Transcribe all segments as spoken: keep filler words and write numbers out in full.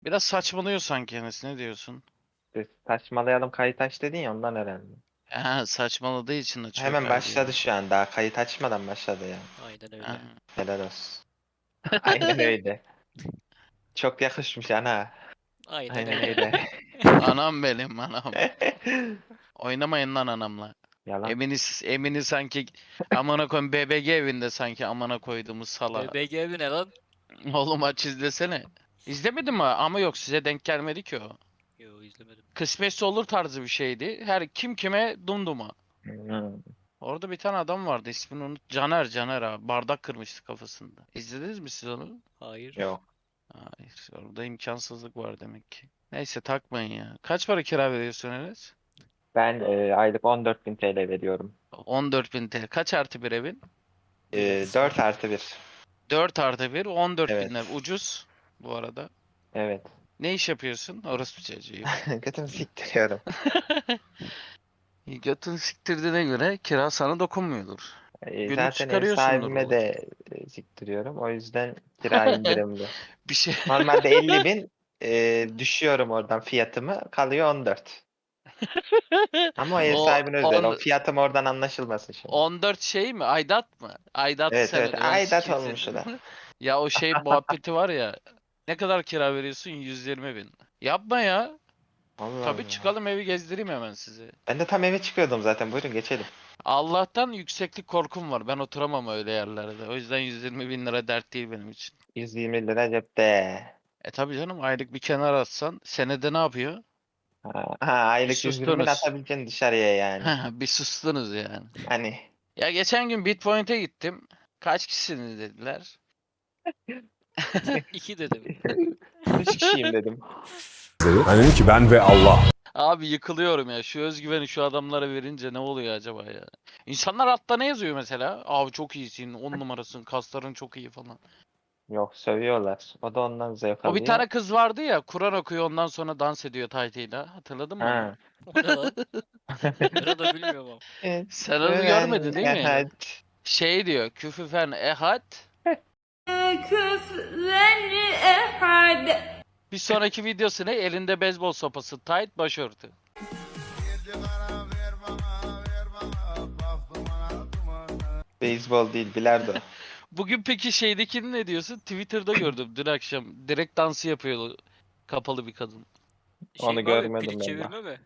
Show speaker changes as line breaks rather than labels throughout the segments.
Biraz saçmalıyor sanki Enes, ne diyorsun?
Biz saçmalayalım kayıt aç dedin ya ondan herhalde.
Ha, saçmaladığı için açıyor
Hemen
kaydı
başladı
ya.
şu an. Daha kayıt açmadan başladı ya.
Aynen
Ha.
öyle.
Helal olsun. Aynen öyle. Çok yakışmış ana.
Aynen
Aynen
öyle.
öyle.
Anam benim anam. Oynamayın lan anamla.
Yalan.
Eminiz Emini sanki amına koyayım B B G evinde sanki amına koyduğumuz sala.
B B G mi ne lan?
Oğlum aç izlesene. İzlemedin mi? Ama yok, size denk gelmedi ki o.
Yo izlemedim.
Kısmetse olur tarzı bir şeydi. Her kim kime dumduma.
Hmm.
Orada bir tane adam vardı, ismini unut. Caner Caner abi. Bardak kırmıştı kafasında. İzlediniz mi siz onu?
Hayır.
Yok.
Hayır. Orada imkansızlık var demek ki. Neyse takmayın ya. Kaç para kira veriyorsun Enes?
Ben e, aylık on dört bin T L veriyorum.
on dört bin T L. Kaç artı bir evin?
Bir
E,
artı
dört
sıfır.
artı bir.
dört artı bir. on dört bin lira.
Evet.
Ucuz bu arada.
Evet.
Ne iş yapıyorsun? Orası çocuğu.
Götümü siktiriyorum.
Götün siktirdiğine göre kira sana dokunmuyordur.
E,
Günlük
zaten ev
çıkarıyorsundur
sahibime
oğlum.
de e, siktiriyorum. O yüzden kira indirimli.
Bir şey.
Normalde elli bin e, düşüyorum oradan fiyatımı. Kalıyor on dört. Ama o ev
O
sahibine özel. O
on,
fiyatım oradan anlaşılmasın şimdi.
on dört şey mi? Aidat mı? Aidatı
Evet
sen
evet.
öde. Ben
Aidat
sikeyim
olmuş o
seni.
da.
Ya o şey muhabbeti var ya. Ne kadar kira veriyorsun? yüz yirmi bin. Yapma ya.
Allah
Tabii
Allah.
çıkalım, evi gezdireyim hemen sizi.
Ben de tam eve çıkıyordum zaten. Buyurun geçelim.
Allah'tan yükseklik korkum var. Ben oturamam öyle yerlerde. O yüzden yüz yirmi bin lira dert değil benim için.
yüz yirmi lira cepte.
E tabii canım, aylık bir kenar atsan senede ne yapıyor?
Ha, ha,
Bir
aylık yüz yirmi bin
sustunuz.
atabileceksin dışarıya yani.
Bir sustunuz yani.
Hani
Ya geçen gün Bitpoint'e gittim. Kaç kişisiniz dediler.
İki dedim.
üç kişiyim dedim.
Ben dedim ki ben ve Allah.
Abi yıkılıyorum ya. Şu özgüveni şu adamlara verince ne oluyor acaba ya? İnsanlar altta ne yazıyor mesela? Abi çok iyisin, on numarasın, kasların çok iyi falan.
Yok sövüyorlar. O da ondan zevk
O bir
alıyor.
tane kız vardı ya, Kur'an okuyor ondan sonra dans ediyor taytıyla. Hatırladın mı onu?
Ha.
O ne lan? Ben onu bilmiyorum ama.
Evet.
Sen onu görmedin
Güven
değil mi?
ehad.
Şey diyor, küfüfen ehad.
كفوا أحد.
Bir sonraki videosu ne? Elinde beyzbol sopası, tight, başörtü.
Beyzbol değil bilardo.
Bugün peki şeydekini ne diyorsun? Twitter'da gördüm dün akşam. Direkt dansı yapıyor kapalı bir kadın.
Şey
Onu
mi abi?
görmedim
Plik
ben
çevirme mi?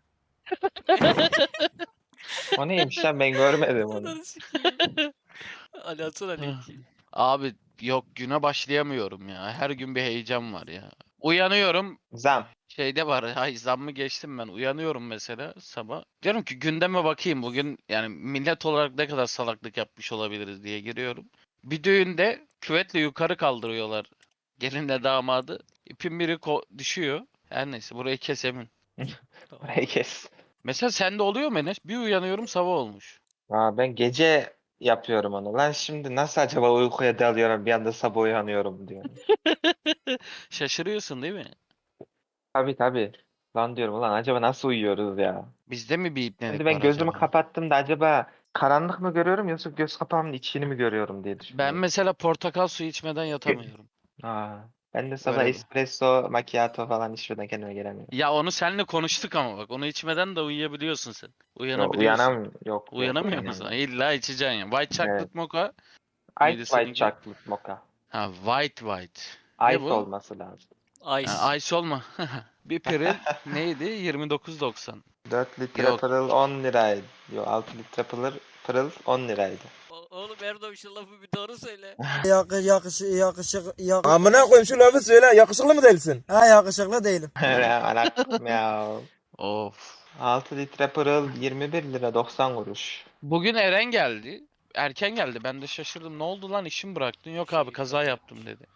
O neymiş lan ben görmedim onu.
Ananı sikeyim. Ali atsana linki.
Abi yok, güne başlayamıyorum ya. Her gün bir heyecan var ya. Uyanıyorum.
Zam.
Şeyde var. Hay zammı geçtim ben. Uyanıyorum mesela sabah. Diyorum ki gündeme bakayım bugün, yani millet olarak ne kadar salaklık yapmış olabiliriz diye giriyorum. Bir düğünde küvetle yukarı kaldırıyorlar gelinle damadı. İpin biri ko- düşüyor. Her neyse, burayı kes Emin.
Tamam.
Burayı kes.
Mesela sende oluyor mu Enes? Bir uyanıyorum sabah olmuş.
Aa, ben gece yapıyorum onu. Lan şimdi nasıl acaba uykuya dalıyorum bir anda sabah uyanıyorum diyorum.
Şaşırıyorsun değil mi?
Tabii tabii. Lan diyorum ulan acaba nasıl uyuyoruz ya?
Bizde mi bir
Şimdi
ipnelik
ben
var
gözümü
acaba?
kapattığımda acaba karanlık mı görüyorum yoksa göz kapağımın içini mi görüyorum diye
Ben
düşünüyorum.
mesela portakal suyu içmeden yatamıyorum.
Aa, ben de sabah
Böyle.
espresso, macchiato falan içmeden kendime gelemiyorum.
Ya onu seninle konuştuk ama bak, onu içmeden de uyuyabiliyorsun sen.
Yok
Uyanabiliyorsun.
uyanam yok yok
Uyanamıyor musun?
uyanamıyorum.
İlla içeceksin ya. White
Evet.
chocolate mocha
Ice
mıydı
white
seninki?
chocolate mocha.
Ha, white white. Ne
Ice
bu?
olması lazım.
Ice.
Ha, ice olma. Bir piril neydi? yirmi dokuz doksan.
dört litre
Yok.
pırıl on liraydı. Yok altı litre pırıl, pırıl on liraydı.
O- Oğlum Erdoğan şu lafı bir doğru söyle.
Yakı, yakışı, yakışık, yak...
Amına koyayım şu lafı söyle. Yakışıklı mı değilsin?
Ha yakışıklı değilim.
Anakkım ya.
Of.
altı litre pırıl yirmi bir lira doksan kuruş.
Bugün Eren geldi. Erken geldi. Ben de şaşırdım. Ne oldu lan, işimi bıraktın? Yok abi, kaza yaptım dedi.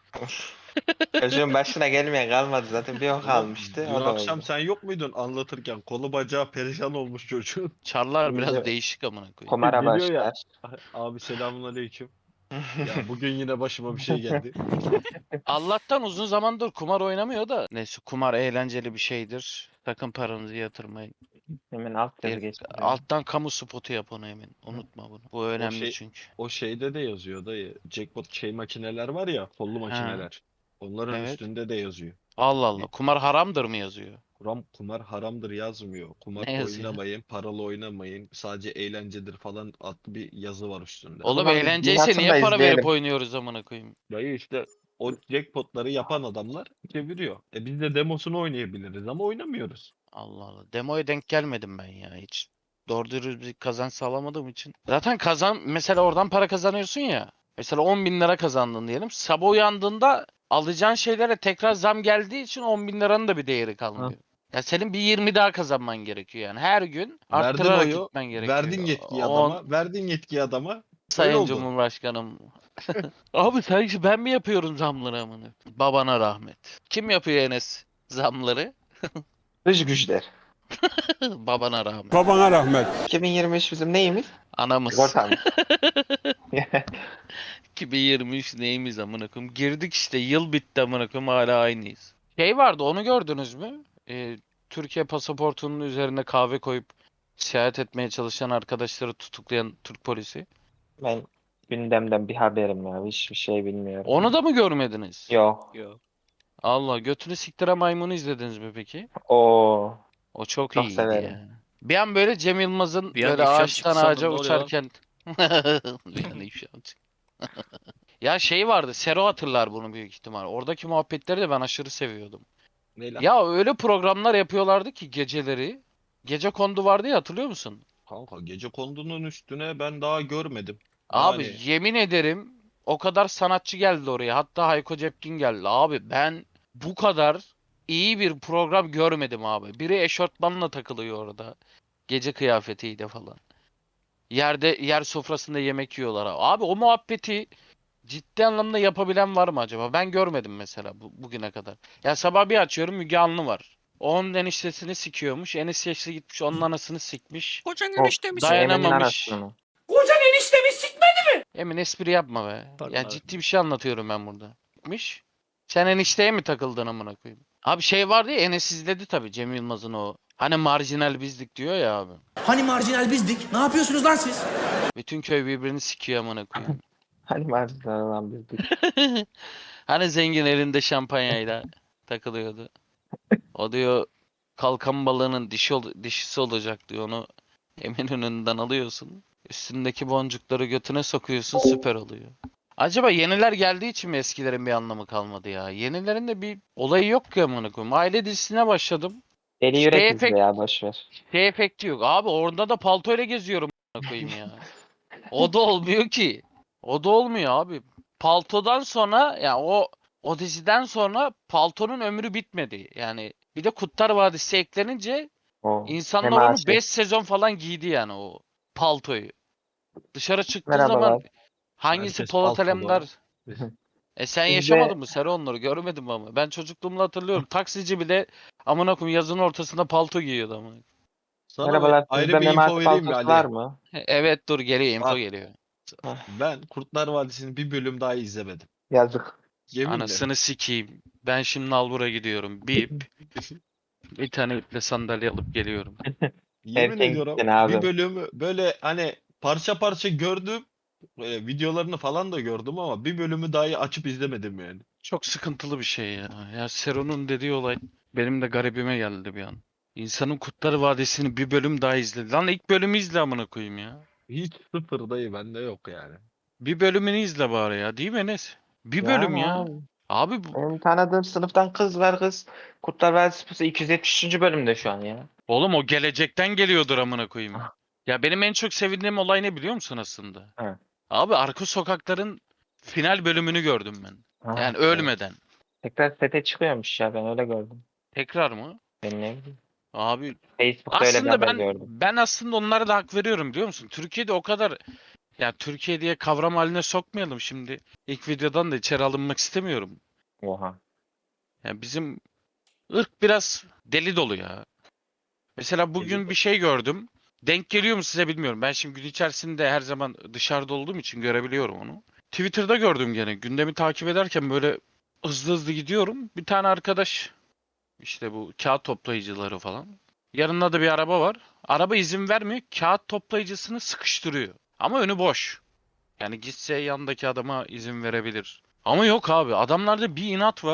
Çocuğun başına gelmeyen kalmadı zaten bir o kalmıştı
Dün
o da
akşam
oldu.
sen yok muydun anlatırken? Kolu bacağı perişan olmuş çocuğun.
Çarlar biraz
Şimdi
değişik amına koyayım.
Kumara
Geliyor ya.
başlar.
Abi selamünaleyküm. Ya bugün yine başıma bir şey geldi.
Allah'tan uzun zamandır kumar oynamıyor da. Neyse, kumar eğlenceli bir şeydir. Sakın paranızı yatırmayın.
Hemen alt yazı
Bir-
geçti.
alttan kamu spotu yap onu Emin. Unutma bunu. Bu önemli
şey-
çünkü.
O şeyde de yazıyor dayı. Jackpot şey makineler var ya, kollu
Ha.
makineler. Onların
Evet.
üstünde de yazıyor.
Allah Allah. Kumar haramdır mı yazıyor?
Kuram, kumar haramdır yazmıyor. Kumar
Ne yazıyor?
oynamayın, paralı oynamayın. Sadece eğlencedir falan adlı bir yazı var üstünde.
Oğlum
zaman
eğlenceyse
Nihat'ın
niye
da
para verip
izleyelim.
oynuyoruz amına koyayım?
Dayı işte o jackpotları yapan adamlar çeviriyor. E biz de demosunu oynayabiliriz ama oynamıyoruz.
Allah Allah. Demoya denk gelmedim ben ya hiç. Doğru dürüst bir kazanç sağlamadığım için. Zaten kazan mesela oradan para kazanıyorsun ya. Mesela on bin lira kazandın diyelim. Sabah uyandığında alacağın şeylere tekrar zam geldiği için on bin liranın da bir değeri kalmıyor. Ya senin bir yirmi daha kazanman gerekiyor yani. Her gün
Verdin
arttırarak
oyu,
gitmen gerekiyor.
verdin yetkiyi
On-
adama, verdin yetkiyi adama. Öyle
Sayın
oldu.
Cumhurbaşkanım. Abi sanki ben mi yapıyorum zamları amına? Babana rahmet. Kim yapıyor Enes zamları?
Dış güçler.
Babana rahmet.
Babana rahmet.
iki bin yirmi üç bizim neyimiz?
Anamız.
Sigortamız.
iki bin yirmi üç neyimiz amına koyayım? Girdik işte yıl bitti amına koyayım hala aynıyız. Şey vardı onu gördünüz mü? Ee, Türkiye pasaportunun üzerine kahve koyup seyahat etmeye çalışan arkadaşları tutuklayan Türk polisi.
Ben gündemden bir haberim ya. Hiçbir şey bilmiyorum.
Onu da mı görmediniz?
Yok.
Yok.
Allah götünü siktire maymunu izlediniz mi peki?
Oo.
O çok,
Çok
iyiydi
severim.
ya. Bir an böyle Cem Yılmaz'ın
Bir an
böyle
ifşa
ağaçtan
çıktı sandım,
ağaca
ne oluyor lan?
uçarken bir an ifşa çıktı. Ya şey vardı, Sero hatırlar bunu büyük ihtimal. Oradaki muhabbetleri de ben aşırı seviyordum.
Ne lan?
Ya öyle programlar yapıyorlardı ki geceleri. Gece kondu vardı ya hatırlıyor musun?
Kanka gece kondunun üstüne ben daha görmedim.
Abi
Yani
yemin ederim o kadar sanatçı geldi oraya. Hatta Hayko Cepkin geldi. Abi ben bu kadar iyi bir program görmedim abi. Biri eşortmanla takılıyor orada. Gece kıyafetiyle falan. Yerde yer sofrasında yemek yiyorlar abi. Abi o muhabbeti ciddi anlamda yapabilen var mı acaba? Ben görmedim mesela bu, bugüne kadar. Ya sabah bir açıyorum Müge Anlı var. O onun eniştesini sikiyormuş. Eniştesi gitmiş onun anasını sikmiş.
Kocan
Oh,
eniştemi
Dayan-
Emin'in
Dayanamamış.
anasını mı?
Emin espri yapma be.
Pardon
Ya
abi.
ciddi bir şey anlatıyorum ben burada. Gitmiş. Sen enişteye mi takıldın amına koyayım? Abi şey vardı ya Enes izledi tabii Cem Yılmaz'ın o. Hani marjinal bizlik diyor ya abi.
Hani marjinal bizdik? Ne yapıyorsunuz lan siz?
Bütün köy birbirini sikiyor amına koyayım.
Hani marjinal olan bizdik.
Hani zengin elinde şampanyayla takılıyordu. O diyor kalkan balığının dişi ol- dişisi olacak diyor onu Eminönü'nden alıyorsun. Üstündeki boncukları götüne sokuyorsun süper oluyor. Acaba yeniler geldiği için mi eskilerin bir anlamı kalmadı ya? Yenilerin de bir olayı yok ki amına koyayım. Aile dizisine başladım.
Deli
Şey
yürek izle
efekt-
ya boşver.
Şey efekti yok. Abi orada da paltoyla geziyorum amına koyayım ya. O da olmuyor ki. O da olmuyor abi. Paltodan sonra ya o o diziden sonra paltonun ömrü bitmedi. Yani bir de Kurtlar Vadisi eklenince
O.
insanlar
Hem
onu
aşık.
beş sezon falan giydi yani o paltoyu. Dışarı çıktığı
Merhabalar.
zaman hangisi
Herkes
Polat
paltolu
Alemdar?
abi.
E sen
Bizde-
yaşamadın mı? Sen onları görmedim ama. Ben çocukluğumda hatırlıyorum. Taksici bile amına koyayım yazın ortasında palto giyiyordu ama.
Sana bir
Merhabalar.
ayrı
Sizde
bir info
Memati
vereyim mi
Baltası
Ali?
var mı?
Evet dur geliyor info
Bak.
geliyor.
Ben Kurtlar Vadisi'nin bir bölüm daha izlemedim.
Yazık.
Yeminle.
Anasını sikeyim. Ben şimdi Nalbur'a gidiyorum. Bip. Bir tane iple sandalye alıp geliyorum.
Yemin
Erken
ediyorum
gittin abi.
bir bölümü böyle hani parça parça gördüm. E, videolarını falan da gördüm ama bir bölümü dahi açıp izlemedim yani.
Çok sıkıntılı bir şey ya. Ya Sero'nun dediği olay benim de garibime geldi bir an. İnsanın Kurtlar Vadisi'ni bir bölüm daha izledi. Lan ilk bölümü izle amına koyayım ya.
Hiç sıfır dayı bende yok yani.
Bir bölümünü izle bari ya. Değil mi Enes? Bir bölüm
Yani
ya.
abi,
Abi bu-
benim tanıdığım sınıftan kız var kız. Kurtlar Vadisi iki yüz yetmiş üçüncü bölümde şu an ya.
oğlum o gelecekten geliyordur amına koyayım.
Ah.
Ya benim en çok sevindiğim olay ne biliyor musun aslında?
Evet.
Abi Arka Sokaklar'ın final bölümünü gördüm ben.
Ha,
Yani
evet.
ölmeden.
Tekrar sete çıkıyormuş ya ben öyle gördüm.
Tekrar mı?
Ben ne bileyim.
Abi
Facebook'ta öyle bir
aslında
haber
ben
gördüm.
ben aslında onlara da hak veriyorum biliyor musun? Türkiye'de o kadar ya Türkiye diye kavram haline sokmayalım şimdi. İlk videodan da içeri alınmak istemiyorum.
Oha.
Ya bizim ırk biraz deli dolu ya. Mesela bugün
dolu.
bir şey gördüm. Denk geliyor mu size bilmiyorum. Ben şimdi gün içerisinde her zaman dışarıda olduğum için görebiliyorum onu. Twitter'da gördüm gene. Gündemi takip ederken böyle hızlı hızlı gidiyorum. Bir tane arkadaş işte bu kağıt toplayıcıları falan. Yanında da bir araba var. Araba izin vermiyor. Kağıt toplayıcısını sıkıştırıyor. Ama önü boş. Yani gitse yanındaki adama izin verebilir. Ama yok abi. Adamlarda bir inat var.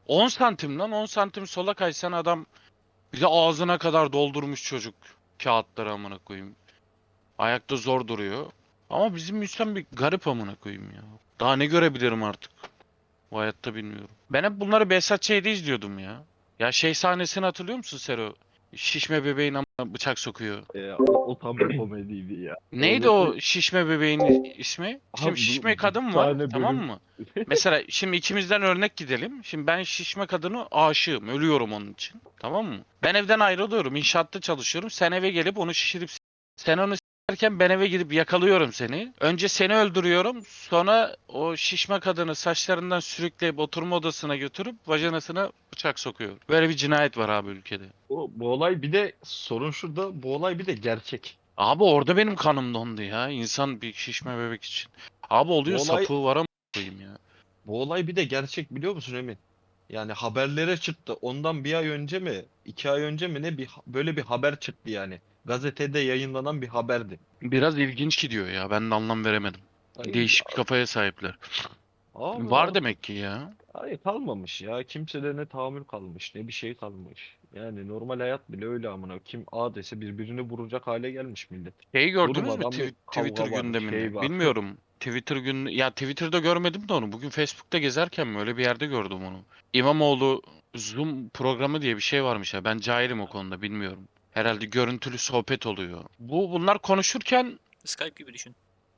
on santim lan, on santim sola kaysan adam bir de ağzına kadar doldurmuş çocuk kağıtları amına koyayım. Ayakta zor duruyor. Ama bizim Hüsam bir garip amına koyayım ya. Daha ne görebilirim artık? Bu hayatta bilmiyorum. Ben hep bunları Behzat Ç'de izliyordum ya. Ya şey sahnesini hatırlıyor musun Sero? Şişme bebeğin amına bıçak sokuyor.
E, o, o tam bir komediydi ya.
Neydi o şişme bebeğin ismi? Şimdi
Abi bu-
şişme
bu
kadın var,
tane
tamam
bölüm-
mı? Mesela şimdi ikimizden örnek gidelim. Şimdi ben şişme kadını aşığım, ölüyorum onun için. Tamam mı? Ben evden ayrılıyorum, inşaatta çalışıyorum. Sen eve gelip onu şişirip s- sen onu s**erken ben eve gidip yakalıyorum seni. Önce seni öldürüyorum. Sonra o şişme kadını saçlarından sürükleyip oturma odasına götürüp vajanasına bıçak sokuyorum. Böyle bir cinayet var abi ülkede.
O, bu olay bir de sorun şurada. Bu olay bir de gerçek.
Abi orada benim kanım dondu ya. İnsan bir şişme bebek için. Abi oluyor,
Bu olay-
sapığı var ama koyayım ya.
Bu olay bir de gerçek biliyor musun Emin? Yani haberlere çıktı. Ondan bir ay önce mi, iki ay önce mi ne bir böyle bir haber çıktı yani. Gazetede yayınlanan bir haberdi.
Biraz ilginç gidiyor ya. Ben de anlam veremedim.
Ay,
Değişik bir kafaya sahipler.
abi,
Var
abi,
demek ki ya.
ay kalmamış ya. Kimsede ne tahammül kalmış, ne bir şey kalmış. Yani normal hayat bile öyle amına. Kim A dese birbirini vuracak hale gelmiş millet.
Şeyi gördünüz mü
Durmadan
Twi-
bir kavga
Twitter
var,
gündemini?
şey var.
Bilmiyorum. Twitter gün ya Twitter'da görmedim de onu. Bugün Facebook'ta gezerken mi öyle bir yerde gördüm onu. İmamoğlu Zoom programı diye bir şey varmış ya. Ben cahilim o konuda, bilmiyorum. Herhalde görüntülü sohbet oluyor. Bu bunlar konuşurken
Skype gibi düşün.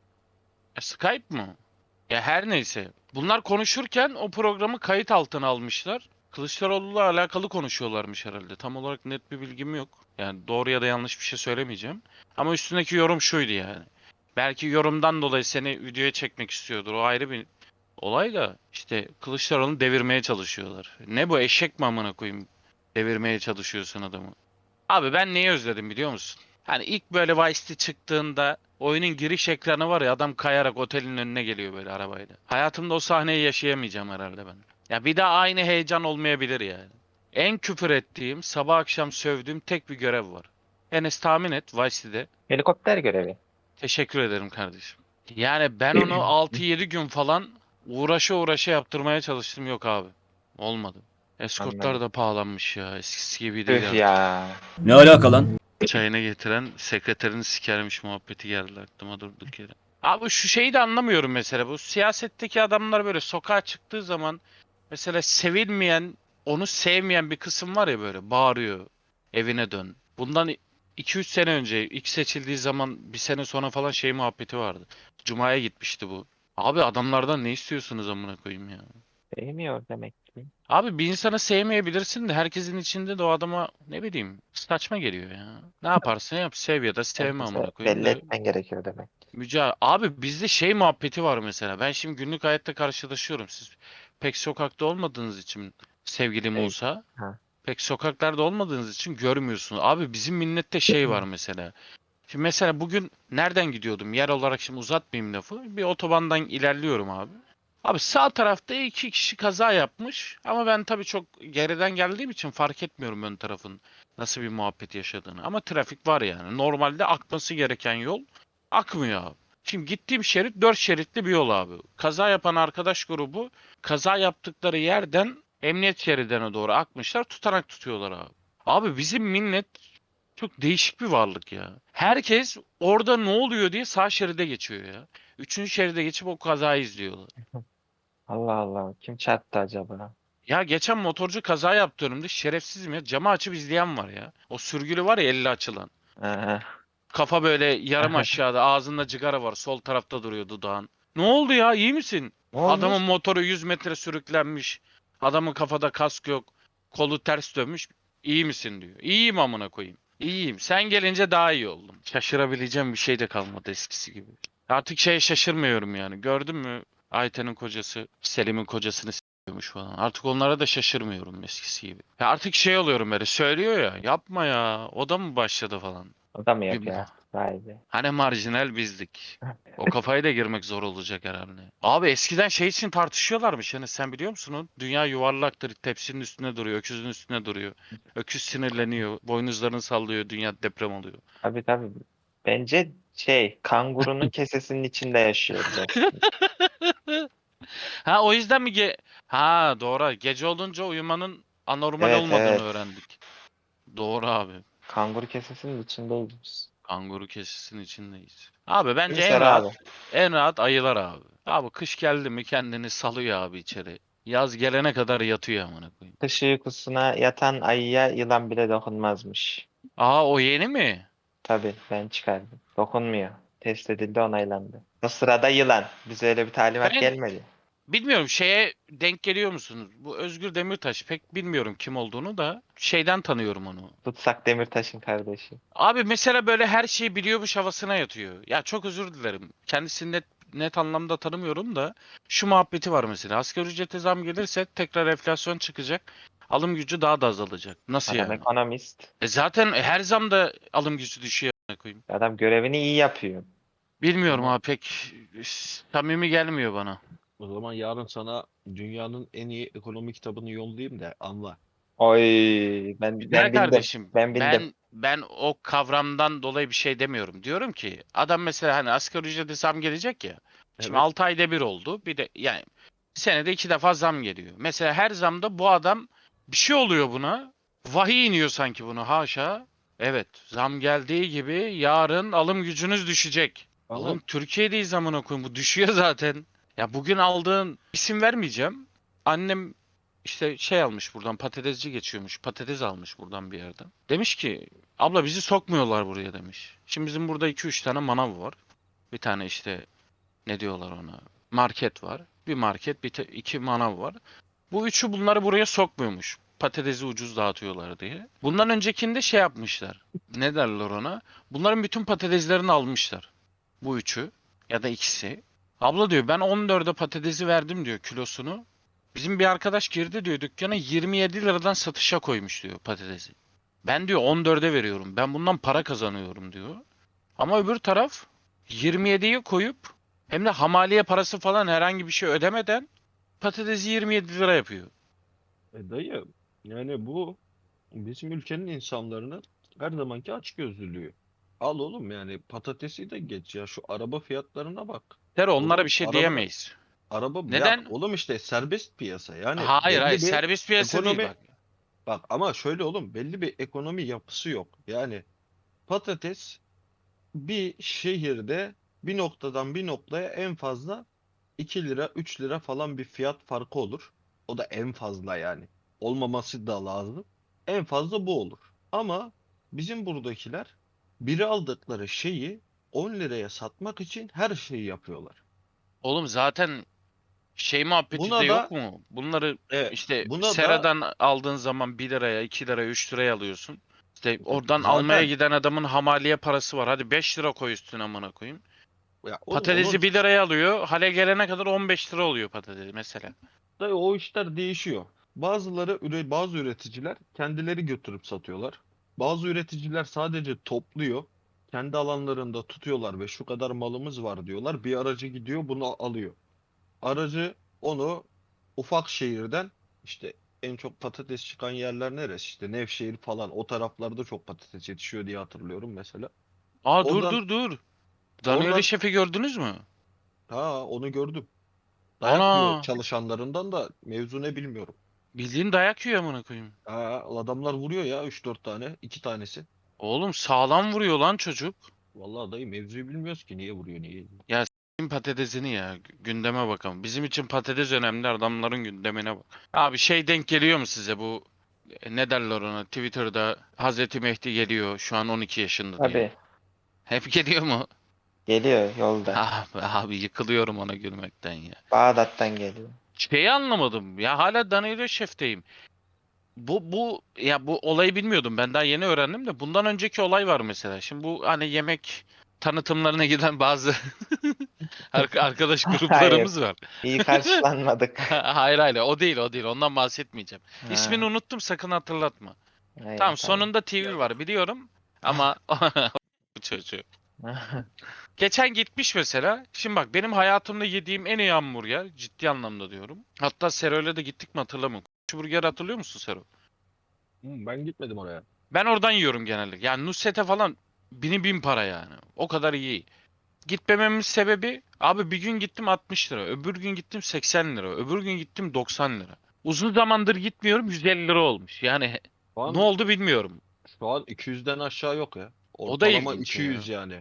E, Skype mı? Ya her neyse. Bunlar konuşurken o programı kayıt altına almışlar. Kılıçdaroğlu'yla alakalı konuşuyorlarmış herhalde. Tam olarak net bir bilgim yok. Yani doğru ya da yanlış bir şey söylemeyeceğim. Ama üstündeki yorum şuydu yani. Belki yorumdan dolayı seni videoya çekmek istiyordur. O ayrı bir olay da işte Kılıçdaroğlu'nu devirmeye çalışıyorlar. Ne bu, eşek mi amına koyayım? Devirmeye çalışıyorsun adamı. Abi ben neyi özledim biliyor musun? Hani ilk böyle Vice City çıktığında oyunun giriş ekranı var ya, adam kayarak otelin önüne geliyor böyle arabayla. Hayatımda o sahneyi yaşayamayacağım herhalde ben. Ya bir daha aynı heyecan olmayabilir yani. En küfür ettiğim, sabah akşam sövdüğüm tek bir görev var. Enes tahmin et Vice City'de.
Helikopter görevi.
Teşekkür ederim kardeşim. Yani ben onu altı yedi gün falan uğraşa uğraşa yaptırmaya çalıştım, yok abi. Olmadı. Eskortlar
Anladım.
da pahalanmış ya. Eskisi gibi
Üf
değil artık.
ya.
Ne alaka lan?
Çayını getiren sekreterini sikermiş muhabbeti geldi aklıma durduk yere. Abi şu şeyi de anlamıyorum mesela. Bu siyasetteki adamlar böyle sokağa çıktığı zaman mesela sevilmeyen, onu sevmeyen bir kısım var ya, böyle bağırıyor. Evine dön. Bundan iki üç sene önce ilk seçildiği zaman bir sene sonra falan şey muhabbeti vardı. Cuma'ya gitmişti bu. Abi adamlardan ne istiyorsunuz amına koyayım ya?
Sevmiyor demek ki.
Abi bir insanı sevmeyebilirsin de herkesin içinde de o adama ne bileyim saçma geliyor ya. Ne yaparsın yap, sev ya da sevme
Herkese
amına koyayım
belli
da.
etmen gerekiyor demek.
Müca abi bizde şey muhabbeti var mesela. Ben şimdi günlük hayatta karşılaşıyorum. Siz pek sokakta olmadığınız için sevgilim
Evet.
olsa
Ha.
pek sokaklarda olmadığınız için görmüyorsunuz. Abi bizim millette şey var mesela. Şimdi mesela bugün nereden gidiyordum? Yer olarak şimdi uzatmayayım lafı. Bir otobandan ilerliyorum abi. Abi sağ tarafta iki kişi kaza yapmış. Ama ben tabii çok geriden geldiğim için fark etmiyorum ön tarafın nasıl bir muhabbet yaşadığını. Ama trafik var yani. Normalde akması gereken yol akmıyor abi. Şimdi gittiğim şerit dört şeritli bir yol abi. Kaza yapan arkadaş grubu kaza yaptıkları yerden emniyet şeridine doğru akmışlar. Tutanak tutuyorlar abi. Abi bizim millet çok değişik bir varlık ya. Herkes orada ne oluyor diye sağ şeride geçiyor ya. Üçüncü şeride geçip o kazayı izliyorlar.
Allah Allah. Kim çarptı acaba?
Ya geçen motorcu kaza yaptı önümde. Şerefsizim ya. Camı açıp izleyen var ya. O sürgülü var ya, elli açılan.
Aha.
Kafa böyle yarım aşağıda. Ağzında cigara var. Sol tarafta duruyor dudağın. Ne oldu ya? İyi misin?
Ne olmuş?
Adamın motoru yüz metre sürüklenmiş. Adamın kafada kask yok. Kolu ters dönmüş. İyi misin diyor. İyiyim amına koyayım. İyiyim. Sen gelince daha iyi oldum. Şaşırabileceğim bir şey de kalmadı eskisi gibi. Artık şeye şaşırmıyorum yani. Gördün mü? Ayten'in kocası Selim'in kocasını s**yormuş falan. Artık onlara da şaşırmıyorum eskisi gibi. Ya artık şey oluyorum böyle. Söylüyor ya. Yapma ya. O da mı başladı falan.
O da mı
Bir-
yapıyor? Vay be.
Hani marjinal bizdik. O kafayı da girmek zor olacak herhalde. Abi eskiden şey için tartışıyorlarmış. Yani sen biliyor musun o? Dünya yuvarlaktır. Tepsinin üstüne duruyor. Öküzün üstüne duruyor. Öküz sinirleniyor. Boynuzlarını sallıyor. Dünya deprem oluyor.
Tabii tabii. Bence şey kangurunun kesesinin içinde yaşıyor biraz.
Ha o yüzden mi ge Ha doğru. Gece olunca uyumanın anormal
Evet,
olmadığını
evet.
öğrendik. Doğru abi.
Kanguru kesesinin içindeyiz biz.
Kanguru kesisinin içindeyiz. Abi bence
Gülser
en rahat
abi.
en rahat ayılar abi. Abi kış geldi mi kendini salıyor abi içeri. Yaz gelene kadar yatıyor amına koyayım.
Kış uykusuna yatan ayıya yılan bile dokunmazmış.
Aa o yeni mi?
Tabii ben çıkardım. Dokunmuyor. Test edildi, onaylandı. O sırada yılan. Bize öyle bir talimat
Ben-
gelmedi.
Bilmiyorum şeye denk geliyor musunuz? Bu Özgür Demirtaş pek bilmiyorum kim olduğunu da şeyden tanıyorum onu.
Tutsak Demirtaş'ın kardeşi.
Abi mesela böyle her şeyi biliyormuş havasına yatıyor. Ya çok özür dilerim. Kendisini net, net anlamda tanımıyorum da şu muhabbeti var mesela. Asgari ücrete zam gelirse tekrar enflasyon çıkacak. Alım gücü daha da azalacak. Nasıl
Adam
yani?
ekonomist.
E zaten her zamda alım gücü düşüyor amına koyayım.
Adam görevini iyi yapıyor.
Bilmiyorum
Ama-
abi pek samimi gelmiyor bana.
O zaman yarın sana dünyanın en iyi ekonomi kitabını yollayayım da anla.
Oy ben
Güzel
ben bildim.
kardeşim.
Ben bildim.
Ben ben o kavramdan dolayı bir şey demiyorum. Diyorum ki adam mesela hani asgari ücrete zam gelecek ya. Şimdi
Evet.
altı ayda bir oldu. Bir de yani senede iki defa zam geliyor. Mesela her zamda bu adam bir şey oluyor buna. Vahiy iniyor sanki buna haşa. Evet zam geldiği gibi yarın alım gücünüz düşecek.
Ama
Oğlum Türkiye'deyiz amına koyayım bu düşüyor zaten. Ya bugün aldığın isim vermeyeceğim. Annem işte şey almış buradan patatesci geçiyormuş. Patates almış buradan bir yerden. Demiş ki abla bizi sokmuyorlar buraya demiş. Şimdi bizim burada iki üç tane manav var. Bir tane işte ne diyorlar ona? Market var. Bir market, bir te- iki manav var. Bu üçü bunları buraya sokmuyormuş. Patatesi ucuz dağıtıyorlar diye. Bundan öncekinde şey yapmışlar. Ne derler ona? Bunların bütün patateslerini almışlar. Bu üçü ya da ikisi. Abla diyor ben on dörde patatesi verdim diyor kilosunu. Bizim bir arkadaş girdi diyor dükkana yirmi yedi liradan satışa koymuş diyor patatesi. Ben diyor on dörde veriyorum. Ben bundan para kazanıyorum diyor. Ama öbür taraf yirmi yediye koyup hem de hamaliye parası falan herhangi bir şey ödemeden patatesi yirmi yedi lira yapıyor.
e, dayı yani bu bizim ülkenin insanlarının her zamanki açgözlülüğü. Al oğlum yani patatesi de geç ya şu araba fiyatlarına bak.
Der onlara
Oğlum,
bir şey
araba-
diyemeyiz.
Araba
Neden?
ya oğlum işte serbest piyasa yani
hayır
belli
hayır
bir
serbest piyasa değil
ekonomi-
bak.
bak ama şöyle oğlum belli bir ekonomi yapısı yok. Yani patates bir şehirde bir noktadan bir noktaya en fazla iki lira üç lira falan bir fiyat farkı olur. O da en fazla yani. Olmaması da lazım. En fazla bu olur. Ama bizim buradakiler biri aldıkları şeyi on liraya satmak için her şeyi yapıyorlar.
Oğlum zaten şey muhabbeti
Buna
de
da-
yok mu? Bunları
Evet,
işte
buna da-
Sera'dan aldığın zaman bir liraya, iki liraya, üç liraya alıyorsun. İşte oradan
Zaten-
almaya giden adamın hamaliye parası var. Hadi beş lira koy üstüne amına koyayım.
Ya oğlum
Patatesi
onun
bir liraya alıyor. Hale gelene kadar on beş lira oluyor patatesi mesela.
da o işler değişiyor. Bazıları üre- bazı üreticiler kendileri götürüp satıyorlar. Bazı üreticiler sadece topluyor. Kendi alanlarında tutuyorlar ve şu kadar malımız var diyorlar. Bir aracı gidiyor bunu alıyor. Aracı onu ufak şehirden işte en çok patates çıkan yerler neresi? İşte Nevşehir falan o taraflarda çok patates yetişiyor diye hatırlıyorum mesela.
Aa
Oradan-
dur dur dur. Danieli
oradan-
Şef'i gördünüz mü?
Ha onu gördüm. Dayak
Ana!
yiyor çalışanlarından da mevzu ne bilmiyorum.
Bildiğin dayak yiyor amına koyayım.
Ha, adamlar vuruyor ya üç dört tane, iki tanesi.
Oğlum sağlam vuruyor lan çocuk.
Vallahi dayı mevzuyu bilmiyoruz ki niye vuruyor niye. ediyor.
Bizim patatesini ya gü- gündeme bakalım. Bizim için patates önemli adamların gündemine bak. Abi şey denk geliyor mu size bu e, ne derler ona Twitter'da Hazreti Mehdi geliyor şu an on iki yaşında diye.
Tabii.
Hep geliyor mu?
Geliyor yolda.
Abi, abi yıkılıyorum ona gülmekten ya.
Bağdat'tan geliyor.
Şeyi anlamadım ya hala Danilo Şef'teyim. Bu bu ya bu olayı bilmiyordum. Ben daha yeni öğrendim de bundan önceki olay var mesela. Şimdi bu hani yemek tanıtımlarına giden bazı arka- arkadaş gruplarımız var.
İyi karşılanmadık.
Hayır hayır o değil o değil ondan bahsetmeyeceğim.
Ha,
İsmini unuttum sakın hatırlatma.
hayır,
Tamam sonunda T V var biliyorum ama bu çocuğu. Geçen gitmiş mesela. Şimdi bak benim hayatımda yediğim en iyi hamburger ciddi anlamda diyorum. Hatta Sero'yla da gittik mi hatırlamıyorum. Şu burger hatırlıyor musun Sero?
Hmm, ben gitmedim oraya.
Ben oradan yiyorum genellikle. Yani Nusret'e falan bini bin para yani. O kadar iyi. gitmememin sebebi abi bir gün gittim altmış lira. Öbür gün gittim seksen lira. Öbür gün gittim doksan lira. Uzun zamandır gitmiyorum yüz elli lira olmuş. Yani
Şu an,
ne oldu bilmiyorum.
şu an iki yüzden aşağı yok ya.
O da
Ortalama
ilginç
iki yüz yani.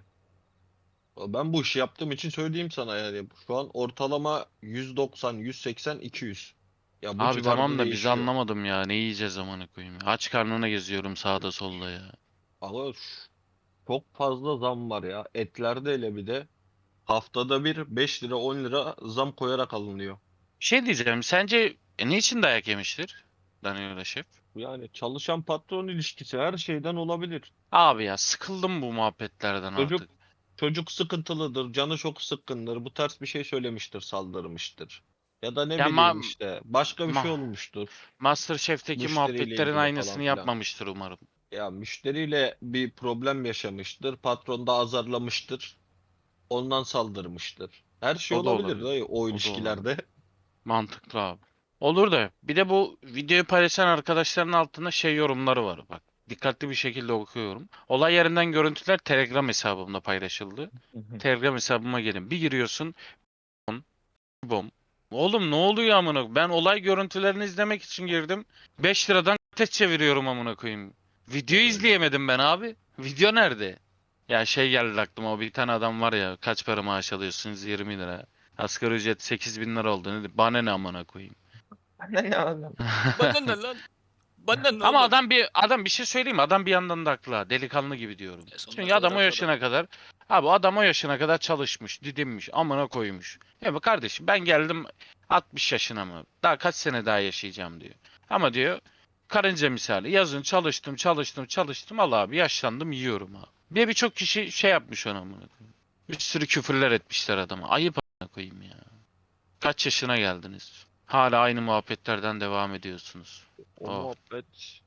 Ben bu işi yaptığım için söyleyeyim sana yani. Şu an ortalama yüz doksan, yüz seksen, iki yüz. Ya bu
Abi
civarda
tamam da biz
değişiyor.
anlamadım ya. Ne yiyeceğiz amına koyayım. Aç karnına geziyorum sağda solda ya.
Ama ş- çok fazla zam var ya. Etlerde hele bir de haftada bir beş lira on lira zam koyarak alınıyor.
Bir şey diyeceğim. Sence e, niçin dayak yemiştir Danilo Şef?
Yani çalışan patron ilişkisi her şeyden olabilir.
Abi ya sıkıldım bu muhabbetlerden
Çocuk
artık.
çocuk sıkıntılıdır, canı çok sıkkındır. Bu ters bir şey söylemiştir, saldırmıştır. Ya da ne
Ya
bileyim
ma-
işte başka bir şey
ma-
olmuştur.
MasterChef'teki
Müşteriyle
muhabbetlerin
ilgili
aynısını
falan filan.
yapmamıştır umarım.
Ya müşteriyle bir problem yaşamıştır. Patron da azarlamıştır. Ondan saldırmıştır. Her şey
O da
olabilir
olabilir.
dayı o
O da
ilişkilerde.
Mantıklı abi. Olur da bir de bu videoyu paylaşan arkadaşların altında şey yorumları var bak. Dikkatli bir şekilde okuyorum. Olay yerinden görüntüler Telegram hesabımda paylaşıldı. Telegram hesabıma gelin. Bir giriyorsun. Bom. Bom. Oğlum ne oluyor amına? koyayım? Ben olay görüntülerini izlemek için girdim. beş liradan test çeviriyorum amına koyayım. Videoyu izleyemedim ben abi. Video nerede? Ya şey geldi aklıma o bir tane adam var ya kaç para maaş alıyorsunuz yirmi lira. Asgari ücret sekiz bin lira oldu. Ne dedi? Bana ne amına koyayım.
Ne ne oğlum?
Bana ne lan? Bana ne
Ama
oğlum?
adam bir adam bir şey söyleyeyim mi? Adam bir yandan da haklı ha. Delikanlı gibi diyorum.
E, sonuna
Çünkü
kadar
adam o
haklı
yaşına kadar abi adam o yaşına kadar çalışmış, didinmiş, amına koymuş. Ya bu kardeşim ben geldim altmış yaşına mı? Daha kaç sene daha yaşayacağım diyor. Ama diyor karınca misali yazın çalıştım, çalıştım, çalıştım. Allah abi yaşlandım yiyorum abi. Bir de birçok kişi şey yapmış ona amına koyayım. Bir sürü küfürler etmişler adama. Ayıp amına koyayım ya. Kaç yaşına geldiniz? Hala aynı muhabbetlerden devam ediyorsunuz.
O
Oh.
muhabbet